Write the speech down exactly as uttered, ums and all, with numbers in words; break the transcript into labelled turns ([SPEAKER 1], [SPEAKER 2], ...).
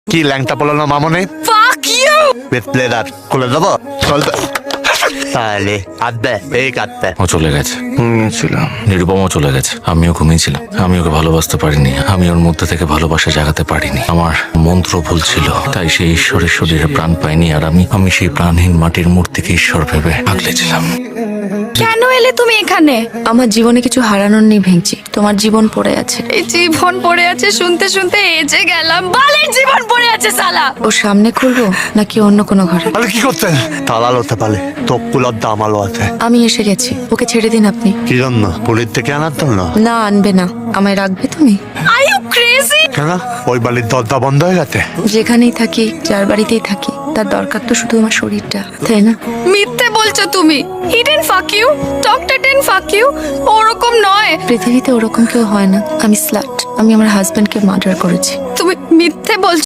[SPEAKER 1] কি ল্যাংটা পড়লো না মামনে?
[SPEAKER 2] Fuck you!
[SPEAKER 1] বেতলেদার খুলে দেবো চল তো। তাহলে আদবে এই কাটতে
[SPEAKER 3] ও চলে গেছে,
[SPEAKER 1] ঘুমিয়েছিলাম।
[SPEAKER 3] নিরুপমাও চলে গেছে, আমিও ঘুমিয়েছিলাম। আমি ওকে ভালোবাসতে পারিনি, আমি ওর মধ্যে থেকে ভালোবাসা জাগাতে পারিনি। আমার মন্ত্র ভুল ছিল, তাই সেই ঈশ্বরের শরীরে প্রাণ পাইনি। আর আমি আমি সেই প্রাণহীন মাটির মূর্তিকে ঈশ্বর ভেবে আগলেছিলাম।
[SPEAKER 2] কেন এলে তুমি এখানে?
[SPEAKER 4] আমার জীবনে কিছু হারানোর নেই ভেঙচি, তোমার জীবন পড়ে আছে।
[SPEAKER 2] এই জীবন পড়ে আছে শুনতে শুনতে এজে গেলাম। বালের জীবন পড়ে আছে সালা।
[SPEAKER 4] ও সামনে খুলবো নাকি অন্য কোনো ঘরে?
[SPEAKER 1] তাহলে কি করতেন? তালাল হতে পারে, তকুলার দাম আলো আছে।
[SPEAKER 4] আমি এসে গেছি, ওকে ছেড়ে দিন আপনি।
[SPEAKER 1] কি জন্য? পুলিশ থেকে আনার জন্য?
[SPEAKER 4] না আনবে না, আমায় রাখবে তুমি?
[SPEAKER 2] Are you crazy?
[SPEAKER 1] কেন? ওই বাড়ির দরজা বন্ধ হয়ে গেছে?
[SPEAKER 4] যেখানেই থাকি, যার বাড়িতেই থাকি, তার দরকার তো শুধু আমার শরীরটা, তাই না?
[SPEAKER 2] মিথ্যে বলছো তুমি। He didn't fuck you. Doctor didn't fuck you. ওরকম নয়।
[SPEAKER 4] পৃথিবীতে ওরকম কেউ হয় না। আমি স্লাট, আমি আমার হাজবেন্ডকে মার্ডার করেছি।
[SPEAKER 2] তুমি মিথ্যে বলছো।